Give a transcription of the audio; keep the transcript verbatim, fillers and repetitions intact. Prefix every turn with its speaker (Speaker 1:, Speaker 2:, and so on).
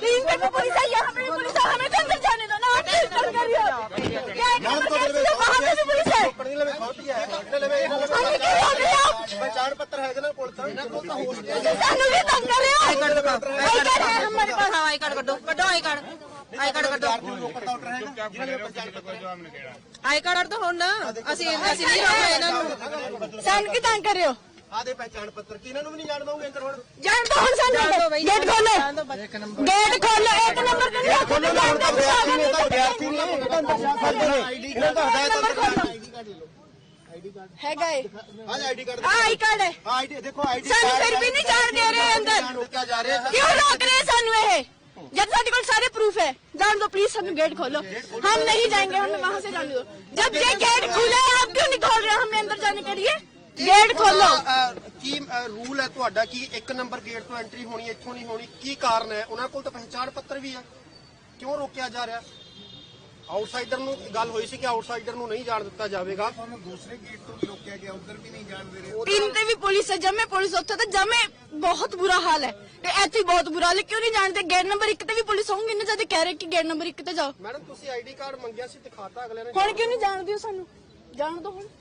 Speaker 1: तीन पे पुलिस है, यहाँ पे भी पुलिस है, हमें तो अंदर जाने दो ना। आप इंसल्ट कर रही हो, क्या है वहाँ पे भी पुलिस है, हमें क्यों रोक रहे हो आप?
Speaker 2: पहचान पत्र है ना कोल
Speaker 1: सानू भी तंग कर रहे हो।
Speaker 3: आई कार्ड दिखाओ,
Speaker 1: आई कार्ड है हमारे पास।
Speaker 3: हाँ आई कार्ड कटो कटो आई कार्ड आई कार्ड कटो आई कार्ड तो हो ना ਅਸੀਂ ਅਸੀਂ ਨਹੀਂ ਰੋਕਣਾ ਇਹਨਾਂ ਨੂੰ
Speaker 1: ਸਾਨੂੰ ਕੀ ਤੰਗ ਕਰ ਰਹੇ ਹੋ?
Speaker 2: ਆਦੇ ਪਹਿਚਾਨ ਪੱਤਰ ਕਿ ਇਹਨਾਂ ਨੂੰ ਵੀ ਨਹੀਂ ਜਾਣ ਦਵਾਂਗੇ ਅੰਦਰ ਹੁਣ
Speaker 1: ਜਾਣ ਦੋ ਹੁਣ ਸਾਨੂੰ ਗੇਟ ਖੋਲੋ, ਗੇਟ ਖੋਲੋ। ਇੱਕ ਨੰਬਰ ਤੇ ਨਹੀਂ ਖੋਲੋ,
Speaker 2: ਵਿਦਿਆਰਥੀ ਨਹੀਂ ਆਈਡੀ ਕਾਰਡ
Speaker 1: ਹੈਗਾ ਏ।
Speaker 2: आज आईडी कार्ड
Speaker 1: ਆ ਆਈ ਕਾਰਡ ਹੈ,
Speaker 2: आईडी देखो आईडी
Speaker 1: ਸਾਨੂੰ ਫਿਰ ਵੀ ਨਹੀਂ ਜਾਣ ਦੇ ਰਹੇ ਅੰਦਰ।
Speaker 2: रोका जा रहे हैं
Speaker 1: क्यों रोक रहे हैं सानू ये? जब सारे को सारे प्रूफ है, जान दो प्लीज, हम गेट खोलो। हम नहीं जाएंगे, हमें वहाँ से जाने दो। जब ये गेट खुला है आप क्यों नहीं खोल रहे? हमें अंदर जाने के लिए गेट खोलो।
Speaker 2: ਕੀ ਰੂਲ ਹੈ ਤੁਹਾਡਾ ਕਿ ਇੱਕ ਨੰਬਰ ਗੇਟ ਤੋਂ ਐਂਟਰੀ ਹੋਣੀ ਇੱਥੋਂ ਨਹੀਂ ਹੋਣੀ? ਕੀ ਕਾਰਨ ਹੈ? ਉਹਨਾਂ ਕੋਲ ਤਾਂ ਪਹਿਚਾਣ ਪੱਤਰ ਵੀ ਹੈ, ਕਿਉਂ ਰੋਕਿਆ ਜਾ ਰਿਹਾ? ਆਊਟਸਾਈਡਰ ਨੂੰ ਗੱਲ ਹੋਈ ਸੀ ਕਿ ਆਊਟਸਾਈਡਰ ਨੂੰ ਨਹੀਂ ਜਾਣ ਦਿੱਤਾ ਜਾਵੇਗਾ। ਤੁਹਾਨੂੰ ਦੂਸਰੇ ਗੇਟ ਤੋਂ ਵੀ ਰੋਕਿਆ ਗਿਆ, ਉਧਰ ਵੀ ਨਹੀਂ ਜਾਣ ਦੇ ਰਹੇ।
Speaker 1: तीन ते भी पुलिस है, जमे पुलिस उत्थे तो जमे बहुत बुरा हाल है, इतने बहुत बुरा हाल है। क्यों नहीं जानते? गेट नंबर एक ते भी पुलिस होंगी ना, जब कह रहे कि गेट नंबर एक ते जाओ।
Speaker 2: ਮੈਡਮ ਤੁਸੀਂ ਆਈਡੀ ਕਾਰਡ ਮੰਗਿਆ ਸੀ, ਦਿਖਾਤਾ ਅਗਲੇ ਨੇ।
Speaker 1: हुण क्यों नहीं जान दियो सानू? जान दो हुण।